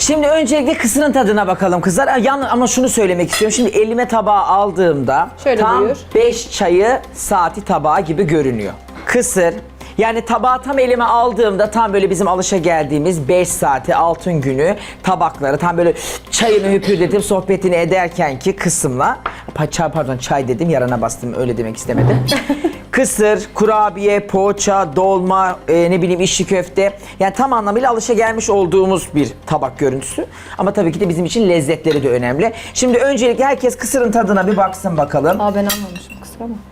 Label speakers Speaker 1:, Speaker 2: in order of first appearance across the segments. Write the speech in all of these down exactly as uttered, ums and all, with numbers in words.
Speaker 1: Şimdi öncelikle kısırın tadına bakalım kızlar. Yan, ama şunu söylemek istiyorum. Şimdi elime tabağı aldığımda
Speaker 2: Şöyle
Speaker 1: tam
Speaker 2: buyur.
Speaker 1: beş çayı saati tabağı gibi görünüyor. Kısır. Yani tabağı tam elime aldığımda tam böyle bizim alışa geldiğimiz beş saati altın günü tabakları tam böyle çayını hüpürdetip sohbetini ederken ki kısımla çay pardon çay dedim yarana bastım öyle demek istemedim. Kısır, kurabiye, poğaça, dolma, e, ne bileyim içli köfte. Yani tam anlamıyla alışa gelmiş olduğumuz bir tabak görüntüsü. Ama tabii ki de bizim için lezzetleri de önemli. Şimdi öncelikle herkes kısırın tadına bir baksın bakalım.
Speaker 2: Aa ben anlamışım kusura bakma.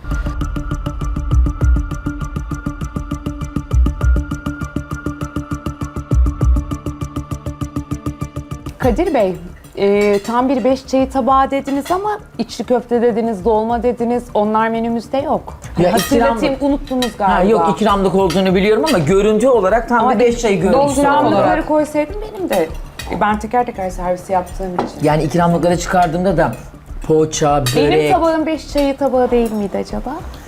Speaker 3: Kadir Bey, e, tam bir beş çayı tabağı dediniz ama içli köfte dediniz, dolma dediniz. Onlar menümüzde yok.
Speaker 1: Ya
Speaker 3: Hatırlatayım,
Speaker 1: ikramlık-
Speaker 3: unuttunuz galiba.
Speaker 1: Ha, yok ikramlık olduğunu biliyorum ama görüntü olarak tam
Speaker 3: Ama
Speaker 1: bir beş çayı görüntüsü olarak.
Speaker 3: ikramlıkları koysaydım benim de. Ben teker teker servis yaptığım için.
Speaker 1: Yani ikramlıkları çıkardığımda da poğaça, börek.
Speaker 3: Benim tabağım beş çayı tabağı değil miydi acaba?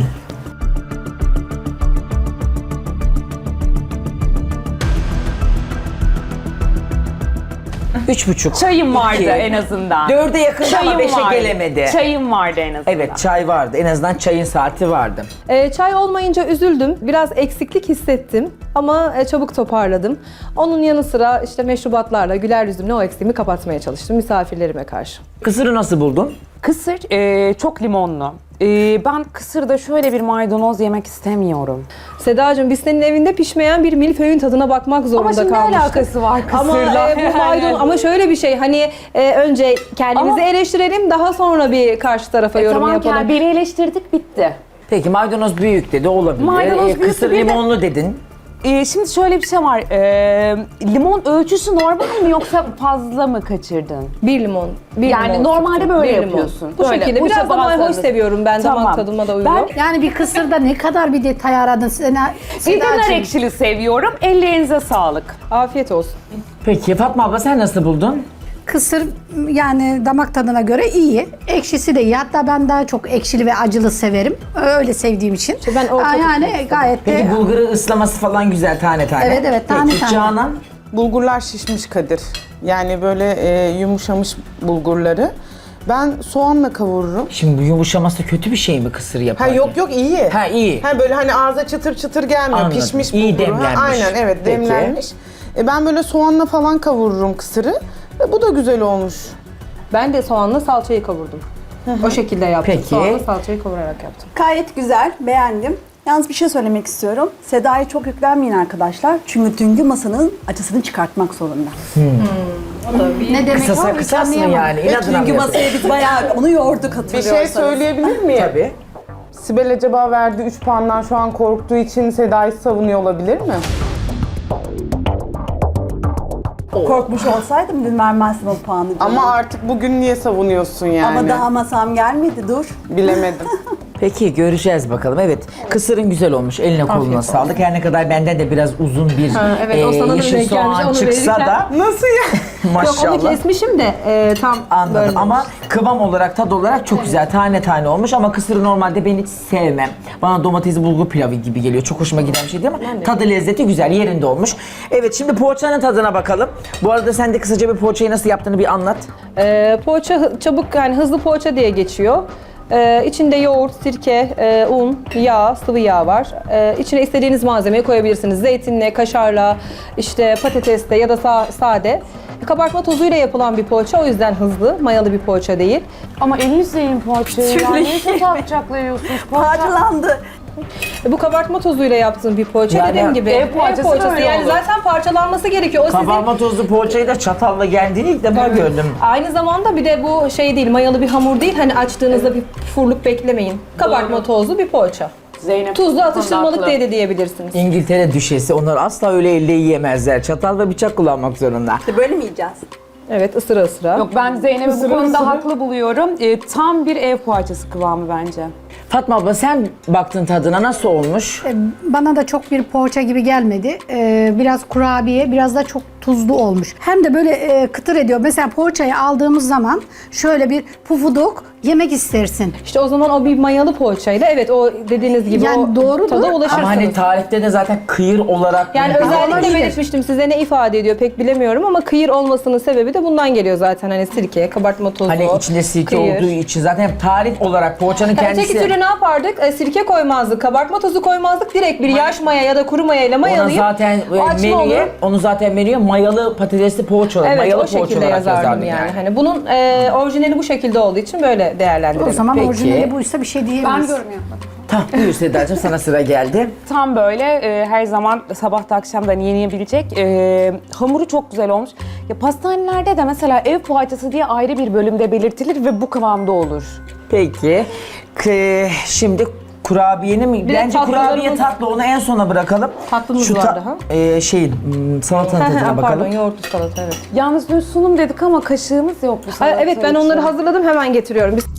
Speaker 1: Üç buçuk.
Speaker 3: Çayım vardı
Speaker 1: İki.
Speaker 3: en azından.
Speaker 1: Dörde yakın ama
Speaker 3: Çayım
Speaker 1: beşe
Speaker 3: vardı.
Speaker 1: gelemedi.
Speaker 3: Çayım vardı en azından.
Speaker 1: Evet çay vardı. En azından çayın saati vardı.
Speaker 2: Ee, çay olmayınca üzüldüm. Biraz eksiklik hissettim ama e, çabuk toparladım. Onun yanı sıra işte meşrubatlarla güler yüzümle o eksiğimi kapatmaya çalıştım misafirlerime karşı.
Speaker 1: Kısırı nasıl buldun?
Speaker 3: Kısır e, çok limonlu. E, ben kısırda şöyle bir maydanoz yemek istemiyorum.
Speaker 2: Sedacığım biz senin evinde pişmeyen bir milföyün tadına bakmak zorunda
Speaker 3: Ama şimdi ne
Speaker 2: kalmıştık.
Speaker 3: alakası var
Speaker 2: Ama
Speaker 3: kısırla?
Speaker 2: e, bu maydanoz ama şöyle bir şey hani e, önce kendimizi
Speaker 3: Ama-
Speaker 2: eleştirelim daha sonra bir karşı tarafa yorum
Speaker 3: tamam
Speaker 2: yapalım.
Speaker 3: ki beni eleştirdik bitti.
Speaker 1: Peki maydanoz büyük dedi olabilir.
Speaker 3: Maydanoz
Speaker 1: Ee,
Speaker 3: büyük
Speaker 1: Kısır
Speaker 3: bir de-
Speaker 1: limonlu dedin.
Speaker 3: E, şimdi şöyle bir şey var. E, limon ölçüsü normal mi yoksa fazla mı kaçırdın?
Speaker 2: Bir limon. Bir
Speaker 3: Yani
Speaker 2: limon
Speaker 3: normalde
Speaker 2: sıktım,
Speaker 3: böyle
Speaker 2: bir limon.
Speaker 3: yapıyorsun.
Speaker 2: Bu
Speaker 3: Böyle,
Speaker 2: şekilde.
Speaker 3: bu
Speaker 2: Biraz da mayhoş
Speaker 3: bazılarınız-
Speaker 2: seviyorum ben
Speaker 3: Tamam.
Speaker 2: damak tadıma da uygun.
Speaker 3: Ben
Speaker 4: Yani bir kısırda ne kadar bir detay aradın Sena,
Speaker 3: bir de nar
Speaker 4: Sedacığım.
Speaker 3: ekşili seviyorum. Ellerinize sağlık.
Speaker 2: Afiyet olsun.
Speaker 1: Peki Fatma abla sen nasıl buldun?
Speaker 4: Kısır yani damak tadına göre iyi. Ekşisi de iyi. Hatta ben daha çok ekşili ve acılı severim. Öyle sevdiğim için.
Speaker 2: ben orta
Speaker 4: Aa,
Speaker 2: tutmak
Speaker 4: yani
Speaker 2: istedim.
Speaker 4: gayet de
Speaker 1: Peki bulguru ıslaması falan güzel tane tane.
Speaker 4: Evet, evet, tane
Speaker 1: Peki,
Speaker 4: tane.
Speaker 1: Canan?
Speaker 5: Bulgurlar şişmiş Kadir. Yani böyle e, yumuşamış bulgurları. Ben soğanla kavururum.
Speaker 1: Şimdi bu yumuşaması kötü bir şey mi kısır
Speaker 5: Ha
Speaker 1: yaparken?
Speaker 5: yok yok iyi.
Speaker 1: Ha iyi.
Speaker 5: Ha böyle hani ağza çıtır çıtır gelmiyor.
Speaker 1: Anladım.
Speaker 5: Pişmiş
Speaker 1: İyi
Speaker 5: bulguru. Ha,
Speaker 1: demlenmiş.
Speaker 5: aynen evet
Speaker 1: Peki.
Speaker 5: demlenmiş. E, ben böyle soğanla falan kavururum kısırı. E, bu da güzel olmuş.
Speaker 2: Ben de soğanla salçayı kavurdum. O şekilde yaptım.
Speaker 1: Peki.
Speaker 2: Soğanla salçayı kavurarak yaptım.
Speaker 6: Gayet güzel, beğendim. Yalnız bir şey söylemek istiyorum. Seda'ya çok yüklenmeyin arkadaşlar. Çünkü dünkü masanın acısını çıkartmak zorunda.
Speaker 4: ne demek
Speaker 1: Kısasa
Speaker 4: o?
Speaker 1: kısas mı
Speaker 4: Anlayamadım.
Speaker 1: yani? İnadına
Speaker 6: Dünkü
Speaker 1: mı yapıyorsun?
Speaker 6: masaya biz bayağı onu yorduk
Speaker 5: Bir
Speaker 6: hatırlıyorsanız.
Speaker 5: şey söyleyebilir miyim?
Speaker 1: Tabii.
Speaker 5: Sibel acaba verdiği üç puandan şu an korktuğu için Seda'yı savunuyor olabilir mi?
Speaker 6: Korkmuş olsaydım dün vermezdim o puanı. canım.
Speaker 5: Ama artık bugün niye savunuyorsun yani?
Speaker 6: Ama daha masam gelmedi, dur.
Speaker 5: Bilemedim.
Speaker 1: Peki göreceğiz bakalım. Evet kısırın güzel olmuş. Eline koluna sağlık. Her ne kadar benden de biraz uzun bir
Speaker 2: evet, o
Speaker 1: e,
Speaker 2: sana da
Speaker 1: yeşil
Speaker 2: denk gelmiş,
Speaker 1: soğan
Speaker 2: onu
Speaker 1: çıksa
Speaker 2: verirken-
Speaker 1: da
Speaker 5: Nasıl ya?
Speaker 1: maşallah.
Speaker 2: Yok onu kesmişim de e, tam
Speaker 1: Anladım
Speaker 2: bölmemiş.
Speaker 1: ama kıvam olarak, tad olarak çok güzel. Tane tane olmuş ama kısırı normalde ben hiç sevmem. Bana domatesli bulgur pilavı gibi geliyor. Çok hoşuma giden bir şey değil ama tadı lezzeti güzel, yerinde olmuş. Evet şimdi poğaçanın tadına bakalım. Bu arada sen de kısaca bir poğaçayı nasıl yaptığını bir anlat.
Speaker 2: E, poğaça hı- çabuk yani hızlı poğaça diye geçiyor. E, içinde yoğurt, sirke, e, un, yağ, sıvı yağ var. E, içine istediğiniz malzemeyi koyabilirsiniz. Zeytinle, kaşarla, işte patatesle ya da sa- sade. Kabartma tozuyla yapılan bir poğaça o yüzden hızlı, mayalı bir poğaça değil.
Speaker 3: Ama elinizle yiyin poğaçayı. Ya niye çatal bıçakla yiyorsunuz? Poğaça.
Speaker 6: Parçalandı.
Speaker 2: E, Bu kabartma tozuyla yaptığım bir poğaça
Speaker 1: Yani
Speaker 2: dediğim gibi.
Speaker 3: ev poğaçası böyle
Speaker 2: Yani
Speaker 3: olur.
Speaker 2: zaten parçalanması gerekiyor. O sizin
Speaker 1: Kabarma tozlu poğaçayı da çatalla geldiğini ilk defa gördüm.
Speaker 2: aynı zamanda bir de bu şey değil, mayalı bir hamur değil. Hani açtığınızda bir furluk beklemeyin. Kabartma tozlu bir poğaça.
Speaker 3: Zeynep.
Speaker 2: Tuzlu atıştırmalık
Speaker 3: haklı.
Speaker 2: diye de diyebilirsiniz.
Speaker 1: İngiltere düşesi onlar asla öyle elle yiyemezler. Çatal ve bıçak kullanmak zorunda.
Speaker 6: İşte böyle mi yiyeceğiz?
Speaker 2: Evet, ısıra ısıra.
Speaker 3: Yok ben Zeynep'i bu konuda haklı buluyorum. E, tam bir ev poğaçası kıvamı bence.
Speaker 1: Fatma abla sen baktın tadına nasıl olmuş?
Speaker 4: Bana da çok bir poğaça gibi gelmedi. Ee, biraz kurabiye, biraz da çok tuzlu olmuş. Hem de böyle e, kıtır ediyor. Mesela poğaçayı aldığımız zaman şöyle bir pufuduk yemek istersin.
Speaker 2: İşte o zaman o bir mayalı poğaçayla evet o dediğiniz gibi
Speaker 4: Yani
Speaker 2: o
Speaker 4: doğrudur.
Speaker 2: tada ulaşırsınız.
Speaker 1: Ama hani tarifte de zaten kıyır olarak...
Speaker 2: Yani
Speaker 1: bunu-
Speaker 2: özellikle
Speaker 4: olabilir.
Speaker 2: belirtmiştim size ne ifade ediyor pek bilemiyorum ama kıyır olmasının sebebi de bundan geliyor zaten. Hani sirke, kabartma tozu,
Speaker 1: Hani içinde sirke
Speaker 2: kıyır.
Speaker 1: olduğu için zaten tarif olarak poğaçanın
Speaker 2: Ha,
Speaker 1: kendisi...
Speaker 2: Öteki türlü ne yapardık? E, sirke koymazdık, kabartma tozu koymazdık. Direkt bir yaş maya ya da kuru maya ile
Speaker 1: Ona
Speaker 2: mayalayıp
Speaker 1: zaten
Speaker 2: o
Speaker 1: e,
Speaker 2: açma
Speaker 1: menüye,
Speaker 2: olur.
Speaker 1: onu zaten menüye mayalı patatesli poğaça olarak,
Speaker 2: Evet
Speaker 1: mayalı
Speaker 2: o
Speaker 1: poğaça
Speaker 2: şekilde
Speaker 1: olarak
Speaker 2: yazardım
Speaker 1: yazardım
Speaker 2: yani.
Speaker 1: yani.
Speaker 2: Hani bunun e, orijinali bu şekilde olduğu için böyle değerlendirelim.
Speaker 4: O zaman
Speaker 1: Peki.
Speaker 4: orijinali buysa bir şey diyemeyiz.
Speaker 3: Ben yorum yapmadım.
Speaker 1: Tamam buyur Sedacığım, sana sıra geldi.
Speaker 3: Tam böyle e, her zaman sabahta akşamdan yenebilecek. E, hamuru çok güzel olmuş. Ya pastanelerde de mesela ev poğaçası diye ayrı bir bölümde belirtilir ve bu kıvamda olur.
Speaker 1: Peki. K- şimdi kurabiyeni mi?
Speaker 2: de
Speaker 1: Bence kurabiye
Speaker 2: tatlılarımız-
Speaker 1: tatlı, onu en sona bırakalım.
Speaker 2: Tatlımız
Speaker 1: Şu
Speaker 2: var
Speaker 1: ta-
Speaker 2: daha.
Speaker 1: e, şeyin, hmm, salatanın
Speaker 2: Ha, ha,
Speaker 1: tadına bakalım.
Speaker 2: Pardon yoğurtlu salata evet.
Speaker 3: Yalnız dün sunum dedik ama kaşığımız yok bu
Speaker 2: Ha,
Speaker 3: salata
Speaker 2: evet ben
Speaker 3: için.
Speaker 2: onları hazırladım hemen getiriyorum. Biz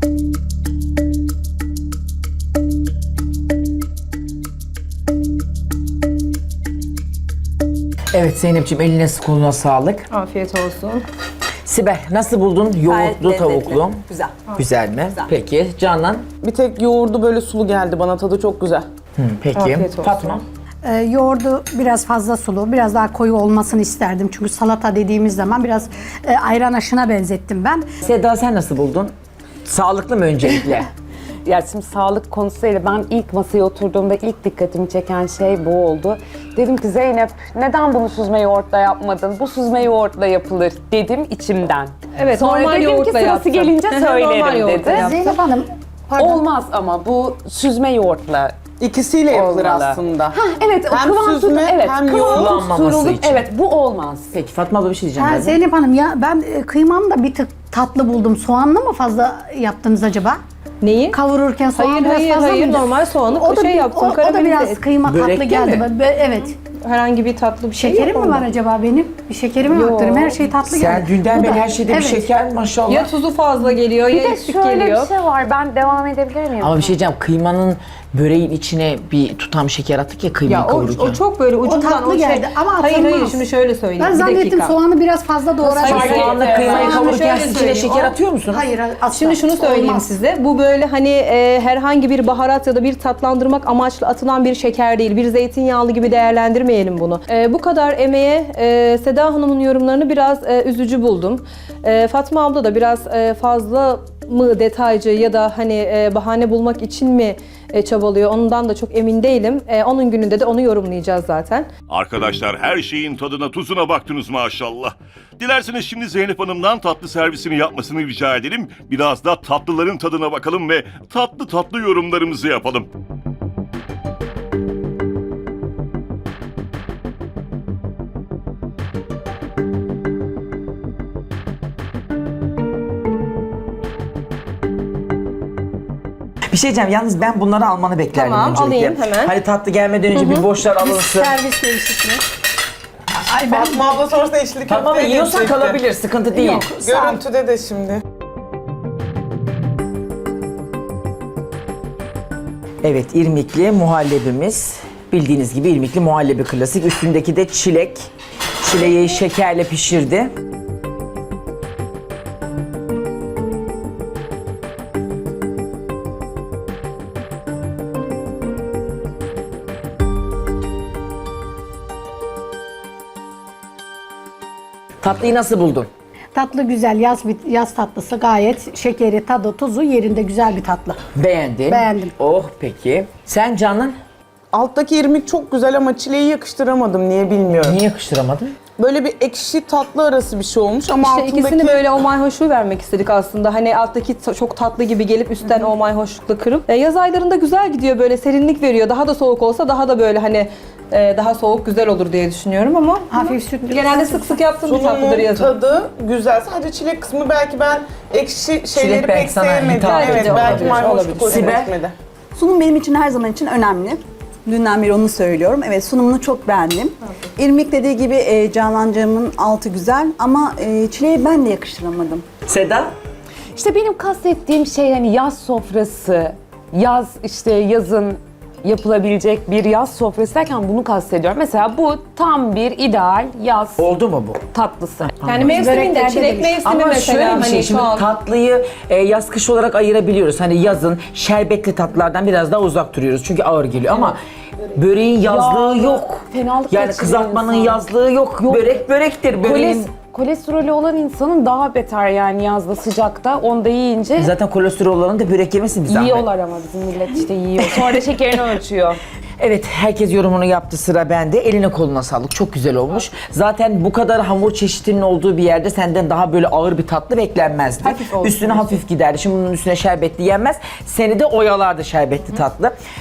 Speaker 1: Evet Zeynep'ciğim, eline koluna sağlık.
Speaker 2: afiyet olsun.
Speaker 1: Sibel, nasıl buldun yoğurtlu
Speaker 6: lezzetli.
Speaker 1: tavuklu?
Speaker 6: Güzel.
Speaker 1: Güzel mi? Peki Canan?
Speaker 5: Bir tek yoğurdu böyle sulu geldi bana, tadı çok güzel.
Speaker 1: Hı, peki.
Speaker 2: Afiyet olsun.
Speaker 1: Fatma?
Speaker 4: Ee, yoğurdu biraz fazla sulu, biraz daha koyu olmasını isterdim. Çünkü salata dediğimiz zaman biraz e, ayran aşına benzettim ben.
Speaker 1: Seda, sen nasıl buldun? Sağlıklı mı öncelikle?
Speaker 3: Ya şimdi sağlık konusuyla ben ilk masaya oturduğumda ilk dikkatimi çeken şey bu oldu. Dedim ki Zeynep neden bunu süzme yoğurtla yapmadın? Bu süzme yoğurtla yapılır dedim içimden.
Speaker 2: Evet,
Speaker 3: Sonra
Speaker 2: normal
Speaker 3: dedim ki
Speaker 2: yoğurtla
Speaker 3: sırası
Speaker 2: yaptım.
Speaker 3: gelince
Speaker 2: Normal
Speaker 3: söylerim
Speaker 2: yoğurtla
Speaker 3: dedi.
Speaker 2: yaptım.
Speaker 4: Zeynep Hanım, pardon.
Speaker 3: Olmaz ama bu süzme yoğurtla.
Speaker 5: İkisiyle yapılır
Speaker 3: Olmalı.
Speaker 5: aslında.
Speaker 3: Ha evet o
Speaker 5: Hem
Speaker 3: kıvam tut,
Speaker 5: süzme,
Speaker 3: evet
Speaker 5: hem
Speaker 3: kıvam
Speaker 5: yoğurt
Speaker 1: kullanmaması
Speaker 3: tutturulup
Speaker 1: için.
Speaker 3: evet bu olmaz.
Speaker 1: Peki Fatma abla bir şey diyeceğim.
Speaker 4: Ha,
Speaker 1: birazdan.
Speaker 4: Zeynep Hanım ya ben e, kıymamı da bir tık tatlı buldum. Soğanlı mı fazla yaptınız acaba?
Speaker 2: Neyi?
Speaker 4: Kavururken soğan
Speaker 2: Hayır,
Speaker 4: biraz
Speaker 2: hayır,
Speaker 4: fazla
Speaker 2: hayır.
Speaker 4: mıydı?
Speaker 2: Normal soğanı
Speaker 4: o da,
Speaker 2: şey
Speaker 4: bir-
Speaker 2: yaptım,
Speaker 4: O, o da
Speaker 2: karamelize
Speaker 4: biraz
Speaker 2: ettim.
Speaker 4: kıyma
Speaker 1: Börekte
Speaker 4: tatlı geldi.
Speaker 1: mi?
Speaker 4: Be- Evet.
Speaker 2: Herhangi bir tatlı bir şey
Speaker 4: Şekerim
Speaker 2: yok
Speaker 4: mi var
Speaker 2: onda.
Speaker 4: acaba benim? Bir şekerim mi arttırım? Her şey tatlı geldi.
Speaker 1: Sen dünden
Speaker 4: Bu
Speaker 1: beri
Speaker 4: da-
Speaker 1: her şeyde bir
Speaker 4: evet.
Speaker 1: şeker maşallah.
Speaker 2: Ya tuzu fazla geliyor
Speaker 3: Bir
Speaker 2: ya
Speaker 3: de
Speaker 2: eksik
Speaker 3: şöyle
Speaker 2: geliyor.
Speaker 3: bir şey var ben devam edebilir miyim?
Speaker 1: Ama bir şey diyeceğim, kıymanın böreğin içine bir tutam şeker attık ya kıymayı
Speaker 2: Ya o,
Speaker 1: kavururken.
Speaker 2: o çok böyle ucundan
Speaker 4: tatlı
Speaker 2: şey-
Speaker 4: geldi ama
Speaker 2: Hayır hayır
Speaker 4: atılmaz.
Speaker 2: şimdi şöyle söyleyeyim.
Speaker 4: Ben
Speaker 2: bir
Speaker 4: zannettim
Speaker 2: dakika.
Speaker 4: soğanı biraz fazla doğradım.
Speaker 1: Hayır,
Speaker 2: Hayır,
Speaker 1: soğanla
Speaker 2: hayır,
Speaker 1: kıymayı
Speaker 2: hayır.
Speaker 1: kavururken
Speaker 2: Şöyle
Speaker 1: siz içine
Speaker 2: söyleyeyim,
Speaker 1: şeker
Speaker 2: o-
Speaker 1: atıyor musunuz?
Speaker 4: Hayır, asla.
Speaker 2: Şimdi şunu söyleyeyim
Speaker 4: Olmaz.
Speaker 2: size. Bu böyle hani e, herhangi bir baharat ya da bir tatlandırmak amaçlı atılan bir şeker değil. Bir zeytinyağlı gibi değerlendirmeyelim bunu. E, bu kadar emeğe e, Seda Hanım'ın yorumlarını biraz e, üzücü buldum. E, Fatma abla da biraz e, fazla mı detaycı ya da hani e, bahane bulmak için mi e, çabalıyor ondan da çok emin değilim. E, onun gününde de onu yorumlayacağız zaten.
Speaker 7: Arkadaşlar her şeyin tadına tuzuna baktınız maşallah. Dilerseniz şimdi Zeynep Hanım'dan tatlı servisini yapmasını rica edelim. Biraz da tatlıların tadına bakalım ve tatlı tatlı yorumlarımızı yapalım.
Speaker 1: Bir şey diyeceğim, yalnız ben bunları almanı beklerdim
Speaker 2: Tamam,
Speaker 1: öncelikle.
Speaker 2: alayım hemen.
Speaker 1: Hani tatlı gelmeden önce bir boşlar alınsın.
Speaker 4: Servis değişikliği.
Speaker 5: Ay Fatma abla sorsa içli
Speaker 1: Tamam mı?
Speaker 5: köfteye
Speaker 1: Yiyorsan
Speaker 5: geçecekti.
Speaker 1: kalabilir, sıkıntı değil.
Speaker 5: Görüntüde de şimdi.
Speaker 1: Evet, irmikli muhallebimiz. Bildiğiniz gibi irmikli muhallebi klasik. Üstündeki de çilek. Çileği şekerle pişirdi. Tatlıyı nasıl buldun?
Speaker 4: Tatlı güzel, yaz bir yaz tatlısı gayet şekeri, tadı, tuzu yerinde güzel bir tatlı.
Speaker 1: Beğendin.
Speaker 4: Beğendim.
Speaker 1: Oh peki. Sen Canan?
Speaker 5: Alttaki irmik çok güzel ama çileği yakıştıramadım, niye bilmiyorum.
Speaker 1: Niye yakıştıramadın?
Speaker 5: Böyle bir ekşi tatlı arası bir şey olmuş ama
Speaker 2: İşte
Speaker 5: altındaki...
Speaker 2: ikisini böyle o mayhoşluğu vermek istedik aslında. Hani alttaki ta- çok tatlı gibi gelip üstten o mayhoşlukla kırıp. E, yaz aylarında güzel gidiyor böyle serinlik veriyor. Daha da soğuk olsa daha da böyle hani e, daha soğuk güzel olur diye düşünüyorum ama
Speaker 4: Hafif sütlü.
Speaker 2: genelde sık sık yaptığım bir tatlıdır
Speaker 5: Sunumun
Speaker 2: yazın.
Speaker 5: tadı güzel. Sadece çilek kısmı belki ben ekşi şeyleri
Speaker 1: belki
Speaker 5: pek
Speaker 1: sana
Speaker 5: sevmedim.
Speaker 1: hitap
Speaker 5: Evet,
Speaker 2: ediyor,
Speaker 5: belki
Speaker 2: olabilir,
Speaker 5: mayhoşluk
Speaker 2: olabilir.
Speaker 5: hoşuma
Speaker 1: Sibel?
Speaker 5: gitmedi.
Speaker 6: Sunum benim için her zaman için önemli. Dünden beri onu söylüyorum. Evet sunumunu çok beğendim. İrmik dediği gibi e, Canancığımın altı güzel ama e, çileği ben de yakıştıramadım.
Speaker 1: Seda?
Speaker 3: İşte benim kastettiğim şey hani yaz sofrası, yaz işte yazın yapılabilecek bir yaz sofrası derken bunu kastediyorum. Mesela bu tam bir ideal yaz
Speaker 1: Oldu mu bu?
Speaker 3: tatlısı.
Speaker 2: Yani mevsiminde,
Speaker 4: Böreklerde
Speaker 2: çilek
Speaker 4: demiş.
Speaker 2: mevsimi
Speaker 1: Ama
Speaker 2: mesela
Speaker 1: şöyle bir şey,
Speaker 2: hani
Speaker 1: şimdi
Speaker 2: şu an.
Speaker 1: tatlıyı e, yaz kış olarak ayırabiliyoruz. Hani yazın şerbetli tatlılardan biraz daha uzak duruyoruz çünkü ağır geliyor ama böreğin yazlığı
Speaker 3: Ya,
Speaker 1: yok.
Speaker 3: fenalık
Speaker 1: Yani
Speaker 3: geçiriyor
Speaker 1: kızartmanın
Speaker 3: insan.
Speaker 1: yazlığı yok.
Speaker 3: Yok.
Speaker 1: Börek börektir. Böreğin...
Speaker 3: Koles, kolesterolü olan insanın daha beter yani yazda sıcakta onu da yiyince
Speaker 1: Zaten kolesterol olanın da börek yemesin bir zahmet.
Speaker 3: yiyorlar ama bizim millet işte yiyor. Sonra da şekerini ölçüyor.
Speaker 1: Evet, herkes yorumunu yaptı, sıra bende. Eline koluna sağlık. Çok güzel olmuş. Zaten bu kadar hamur çeşitinin olduğu bir yerde senden daha böyle ağır bir tatlı beklenmezdi.
Speaker 3: Hafif olsun
Speaker 1: Üstüne hafif giderdi. Şimdi bunun üstüne şerbetli yenmez. Seni de oyalardı şerbetli tatlı.